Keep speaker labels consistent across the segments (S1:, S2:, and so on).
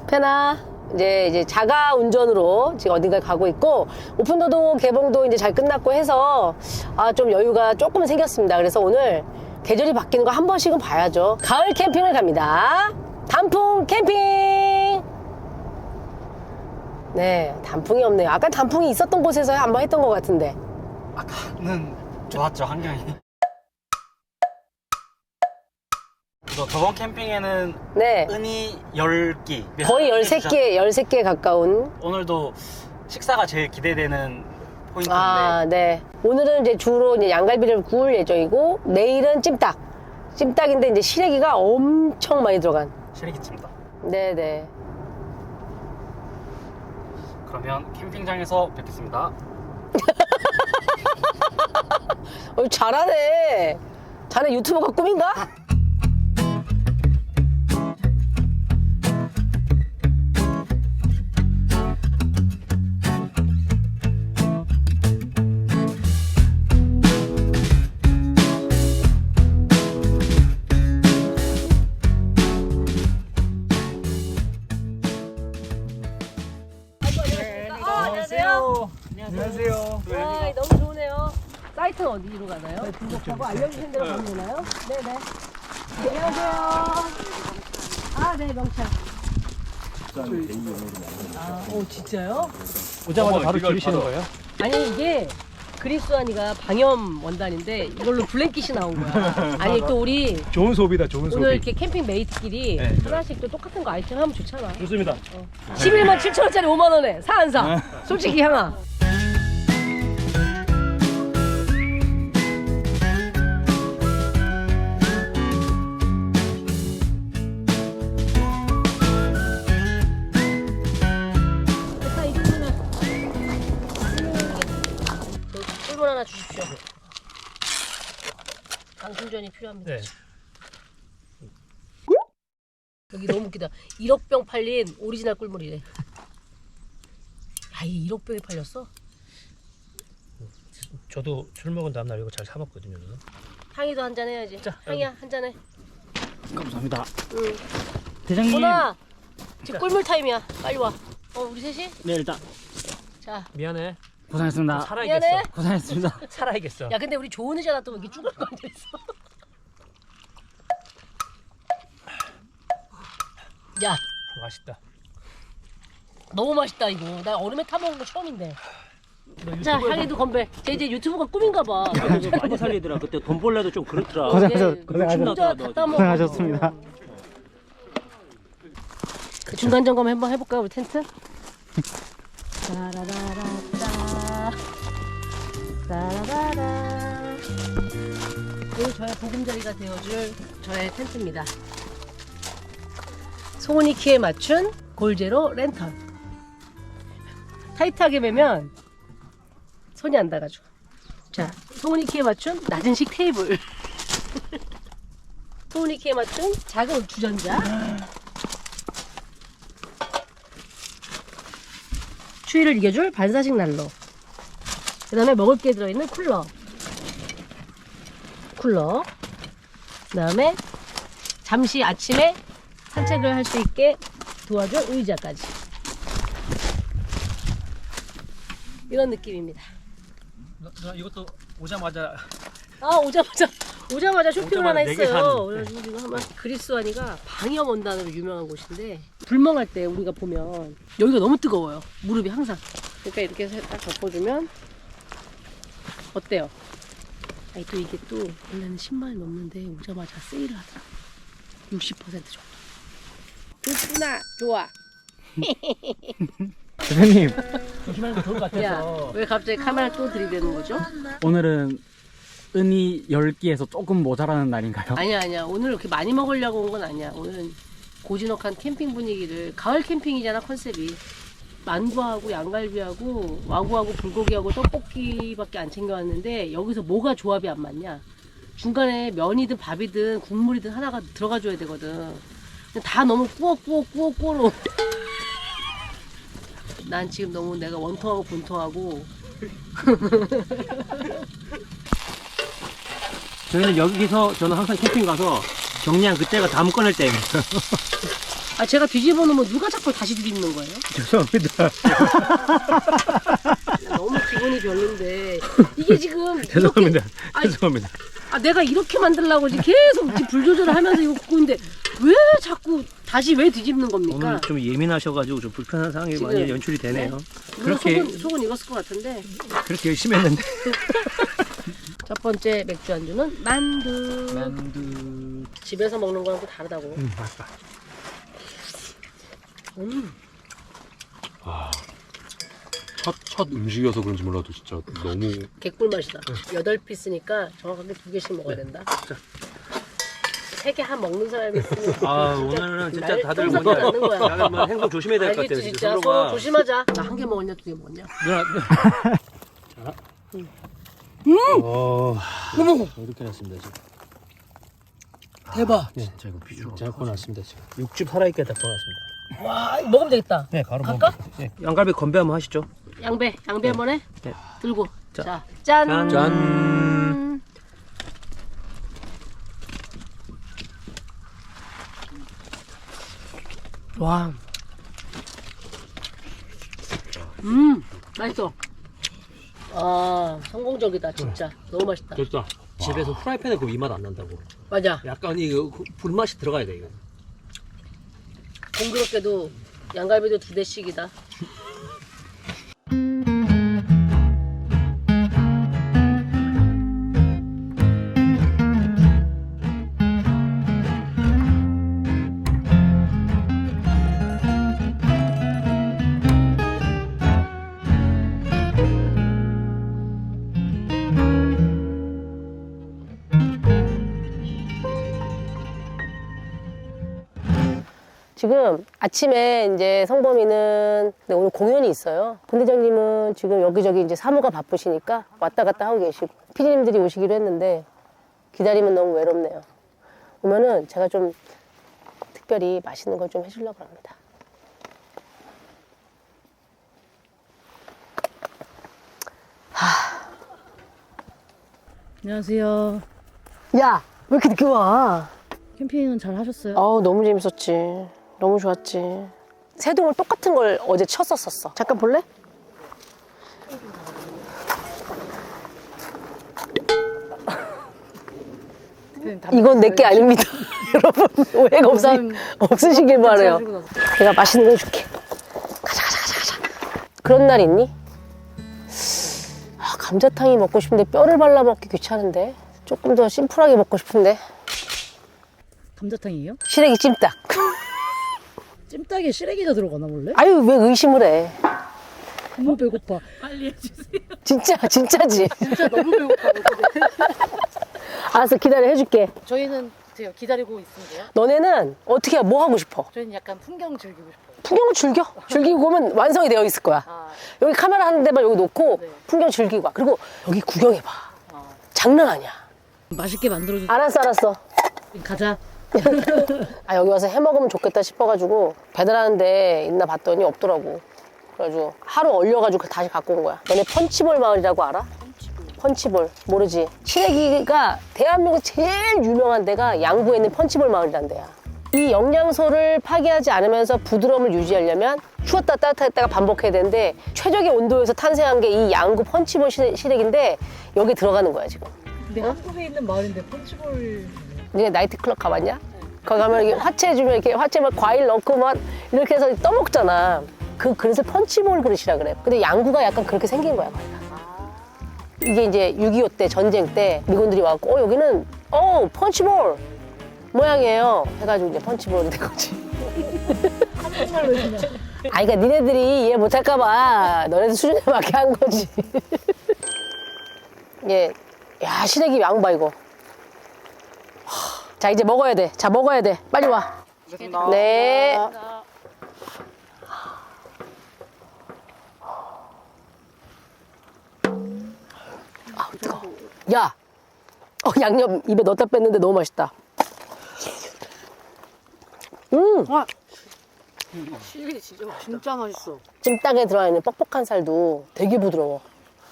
S1: 페나 이제 자가 운전으로 지금 어딘가에 가고 있고, 오픈도도 개봉도 이제 잘 끝났고 해서 좀 여유가 조금 생겼습니다. 그래서 오늘 계절이 바뀌는 거 한 번씩은 봐야죠. 가을 캠핑을 갑니다. 단풍 캠핑. 네, 단풍이 없네요. 아까 단풍이 있었던 곳에서 한번 했던 것 같은데.
S2: 아까는 좋았죠, 환경이. 저번 캠핑에는
S1: 네,
S2: 은이 10끼
S1: 거의 13개 가까운.
S2: 오늘도 식사가 제일 기대되는 포인트인데
S1: 네. 오늘은 이제 주로 이제 양갈비를 구울 예정이고, 내일은 찜닭인데 이제 시래기가 엄청 많이 들어간.
S2: 시래기찜닭.
S1: 네네.
S2: 그러면 캠핑장에서 뵙겠습니다.
S1: 잘하네. 자네 유튜버가 꿈인가? 안녕하세요.
S2: 안녕하세요.
S1: 와, 너무 좋으네요. 사이트는 어디로 가나요? 등록하고 알려주신 대로 가면 되나요? 네네. 안녕하세요. 네, 명찰. 진짜요?
S3: 오자마자 바로 줄이시는 거예요?
S1: 아니, 이게 그리스완이가 방염 원단인데 이걸로 블랭킷이 나온 거야. 아니, 또 우리
S3: 좋은 소비다, 좋은
S1: 오늘 이렇게 캠핑 메이트끼리
S3: 네.
S1: 하나씩 또 똑같은 거 아이템 하면 좋잖아.
S3: 좋습니다.
S1: 11만 7천 원짜리 5만 원에 사 안 사? 솔직히 향아. 꿀물 하나 주십시오. 강순전이 필요합니다.
S3: 네.
S1: 여기 너무 웃기다. 1억 병 팔린 오리지널 꿀물이래. 야, 이게 1억 병이 팔렸어?
S3: 저도 술 먹은 다음날 이거 잘 사먹거든요.
S1: 향이도 한잔 해야지.
S3: 자,
S1: 향이야, 한잔 해.
S2: 감사합니다.
S1: 응.
S2: 대장님.
S1: 보나, 지금 꿀물 타임이야. 빨리 와. 우리 셋이?
S2: 네, 일단
S1: 자.
S3: 미안해.
S2: 고생했습니다.
S3: 살아야겠어.
S1: 미안해.
S2: 고생했습니다.
S3: 살아야겠어.
S1: 야, 근데 우리 좋은 의자가 또 이렇게 쭈글쭈글 앉아있어. 야,
S3: 맛있다.
S1: 너무 맛있다, 이거. 나 얼음에 타먹은 거 처음인데.
S3: 너
S1: 자, 향이도 건배. 쟤 이제 유튜브가 꿈인가 봐.
S4: 많이 살리더라. 그때 돈 벌래도 좀 그렇더라.
S1: 고생하셨습니다.
S2: 고생하셨습니다.
S1: 그 중간 점검 한번 해볼까요, 우리 텐트? 따라라라따 따라라라. 오늘 저의 보금자리가 되어줄 저의 텐트입니다. 소은이 키에 맞춘 골제로 랜턴. 타이트하게 매면 손이 안 닿아가지고. 자, 소은이 키에 맞춘 낮은식 테이블. 소은이 키에 맞춘 작은 주전자. 추위를 이겨줄 반사식 난로. 그 다음에 먹을 게 들어있는 쿨러. 그 다음에 잠시 아침에 산책을 할 수 있게 도와줄 의자까지. 이런 느낌입니다.
S3: 너 이것도 오자마자
S1: 오자마자 쇼핑을 하나
S3: 오자마자 4개
S1: 했어요.
S3: 샀는데.
S1: 그래가지고 지금 한번 그리스완이가 방염 원단으로 유명한 곳인데, 불멍할 때 우리가 보면 여기가 너무 뜨거워요. 무릎이 항상. 그러니까 이렇게 해서 딱 덮어주면 어때요? 아니, 또 이게 또 원래는 10만 원 넘는데 오자마자 세일을 하더라. 60% 정도. 좋구나. 좋아.
S2: 대장님,
S3: 조심하는 게 좋을 것 같아서.
S1: 야, 왜 갑자기 카메라 또 들이대는 거죠?
S2: 오늘은 은이 10끼에서 조금 모자라는 날인가요?
S1: 아니야. 오늘 이렇게 많이 먹으려고 온 건 아니야. 오늘은 고즈넉한 캠핑 분위기를, 가을 캠핑이잖아, 컨셉이. 만두하고 양갈비하고 와구하고 불고기하고 떡볶이밖에 안 챙겨왔는데, 여기서 뭐가 조합이 안 맞냐? 중간에 면이든 밥이든 국물이든 하나가 들어가 줘야 되거든. 근데 다 너무 꾸어로. 난 지금 너무 내가 원통하고 본통하고.
S4: 저희는 여기서 저는 항상 캠핑 가서 정리한 그때가 다음 꺼낼 때입니다.
S1: 아 제가 뒤집어 놓으면 누가 자꾸 다시 뒤집는 거예요?
S3: 죄송합니다.
S1: 너무 기분이 별론데 이게 지금
S3: 죄송합니다.
S1: 아니,
S3: 죄송합니다.
S1: 아 내가 이렇게 만들려고 지금 계속 지금 불 조절을 하면서 이거 굽고 있는데 왜 자꾸 다시 왜 뒤집는 겁니까?
S3: 오늘 좀 예민하셔가지고 좀 불편한 상황이
S1: 지금,
S3: 많이 연출이 되네요.
S1: 물론
S3: 그렇게
S1: 속은 익었을 것 같은데.
S3: 그렇게 열심히 했는데.
S1: 첫 번째 맥주 안주는 만두.
S2: 만두.
S1: 집에서 먹는 거랑 또 다르다고.
S3: 맞다.
S5: 첫 음식이어서 그런지 몰라도 진짜 너무
S1: 개꿀 맛이다. 8피스니까 정확하게 2개씩 먹어야 된다. 3개 한 먹는 사람이 있으면
S3: 아 오늘은 진짜
S1: 날
S3: 다들
S1: 똥
S3: 뭐냐.
S1: 닦는 거야.
S3: 다들 뭐 행동 조심해야 될 것 같아요.
S1: 알겠지 진짜 서로
S3: 서로가.
S1: 조심하자. 나 1개 먹었냐 2개 먹었냐?
S3: 누나. 자. 이렇게 났습니다 지금.
S1: 대박.
S3: 네, 자 이거 비주얼 제가 구워놨습니다 지금. 육즙 살아있게 다 구워놨습니다.
S1: 와 이거 먹으면 되겠다.
S3: 네, 바로
S1: 갈까?
S3: 네. 양갈비 건배 한번 하시죠.
S1: 양배 한번 해?
S3: 네.
S1: 들고.
S3: 자.
S1: 자, 짠.
S3: 짠.
S1: 와. 맛있어. 아, 성공적이다, 진짜. 너무 맛있다.
S3: 됐다. 집에서 프라이팬에 그 이 맛 안 난다고.
S1: 맞아.
S3: 약간 이거 불맛이 들어가야 돼 이거.
S1: 공교롭게도 양갈비도 2대씩이다. 지금 아침에 이제 성범이는 네, 오늘 공연이 있어요. 본대장님은 지금 여기저기 이제 사무가 바쁘시니까 왔다 갔다 하고 계시고 피디님들이 오시기로 했는데 기다리면 너무 외롭네요. 오면은 제가 좀 특별히 맛있는 걸 좀 해주려고 합니다.
S6: 안녕하세요.
S1: 야, 왜 이렇게 늦게 와?
S6: 캠핑은 잘 하셨어요?
S1: 너무 재밌었지. 너무 좋았지. 새동을 똑같은 걸 어제 쳤었었어. 잠깐 볼래? 이건 내게 아닙니다. 여러분, 오해가 없으시길 바래요. 내가 맛있는 거 줄게. 가자. 그런 날 있니? 아, 감자탕이 먹고 싶은데 뼈를 발라 먹기 귀찮은데. 조금 더 심플하게 먹고 싶은데.
S6: 감자탕이에요?
S1: 시래기 찜닭.
S6: 찜닭에 시래기가 들어가나 원래?
S1: 아유, 왜 의심을 해?
S6: 너무 배고파.
S1: 진짜지.
S6: 진짜 너무 배고파.
S1: 알았어, 기다려, 해줄게.
S6: 저희는 기다리고 있는데요.
S1: 너네는 어떻게 해? 뭐 하고 싶어?
S6: 저희는 약간 풍경 즐기고 싶어요.
S1: 풍경을 즐기고 오면 완성이 되어 있을 거야.
S6: 아,
S1: 여기 카메라 하는 데만 여기 놓고
S6: 네.
S1: 풍경 즐기고 와. 그리고 여기 구경해봐.
S6: 아.
S1: 장난 아니야.
S6: 맛있게 만들어주.
S1: 알았어.
S6: 가자.
S1: 아, 여기 와서 해 먹으면 좋겠다 싶어가지고 배달하는 데 있나 봤더니 없더라고. 그래가지고 하루 얼려가지고 다시 갖고 온 거야. 너네 펀치볼 마을이라고 알아? 펀치볼 모르지? 시래기가 대한민국 제일 유명한 데가 양구에 있는 펀치볼 마을이란 데야. 이 영양소를 파괴하지 않으면서 부드러움을 유지하려면 추웠다 따뜻했다가 반복해야 되는데 최적의 온도에서 탄생한 게 이 양구 펀치볼 시래기인데 여기 들어가는 거야 지금.
S6: 근데 한국에 있는 마을인데 펀치볼.
S1: 니네 나이트클럽 가봤냐? 거기 가면 이렇게 화채 해주면 이렇게 화채 막 과일 넣고 막 이렇게 해서 떠먹잖아. 그 그릇을 펀치볼 그릇이라 그래. 근데 양구가 약간 그렇게 생긴 거야 거기가. 이게 이제 6.25 때 전쟁 때 미군들이 와갖고 여기는 펀치볼 모양이에요 해가지고 이제 펀치볼이 된 거지.
S6: 한국말로 그냥.
S1: 아, 그러니까 니네들이 이해 못할까봐 너네들 수준에 맞게 한 거지. 예, 야 시래기 양봐 이거. 자 이제 먹어야 돼. 자 먹어야 돼. 빨리 와. 네. 아 뜨거. 야, 양념 입에 넣었다 뺐는데 너무 맛있다.
S6: 시래기 진짜 맛있어.
S1: 찜닭에 들어가 있는 뻑뻑한 살도 되게 부드러워.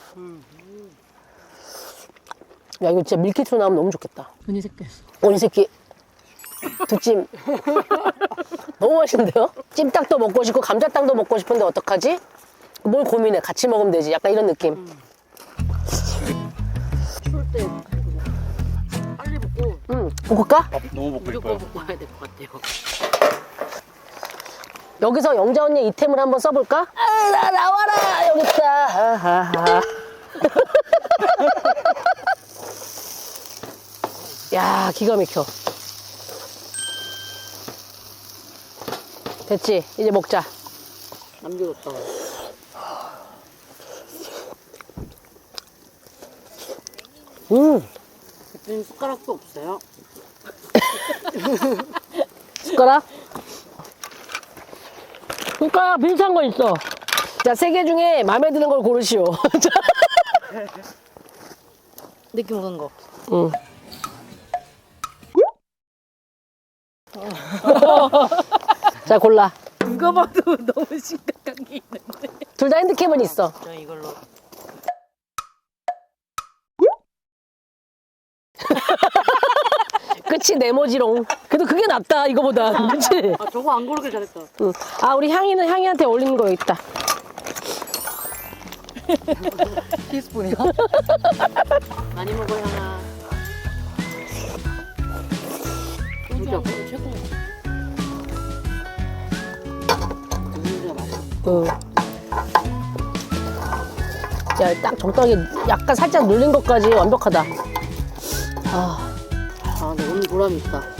S1: 야 이거 진짜 밀키트로 나오면 너무 좋겠다.
S6: 은희 새끼.
S1: 오니 새끼 두 찜. 너무 맛있는데요? 찜닭도 먹고 싶고 감자탕도 먹고 싶은데 어떡하지? 뭘 고민해? 같이 먹으면 되지. 약간 이런 느낌.
S6: 추울 때 빨리 먹고
S1: 볶을까?
S5: 너무 먹고
S6: 무조건
S5: 싶어요.
S6: 먹고 와야 될 것 같아요.
S1: 여기서 영자 언니 이템을 한번 써볼까? 아, 나와라! 여기 있다. 하하하. 야, 기가 막혀. 됐지? 이제 먹자.
S6: 남겨뒀다가. 대표님 숟가락도 없어요?
S1: 숟가락? 숟가락 비슷한 거 있어. 자, 세 개 중에 마음에 드는 걸 고르시오.
S6: 느낌 오는 거.
S1: 응. 자, 골라.
S6: 누가 봐도 너무 심각한 게 있는데.
S1: 둘 다 핸드캠은 있어.
S6: 저 이걸로.
S1: 그치, 네모지롱. 그래도 그게 낫다, 이거보다. 그치?
S6: 아 저거 안 고르길 잘했다.
S1: 응. 아, 우리 향이는 향이한테 어울리는 거 여기 있다.
S6: 티스푼이요? 많이 먹어 향아. 소주 최고. 소주가 맛있어.
S1: 응. 야, 딱 적당히 약간 살짝 눌린 것까지 완벽하다. 아,
S6: 아, 근데 오늘 보람이 있다.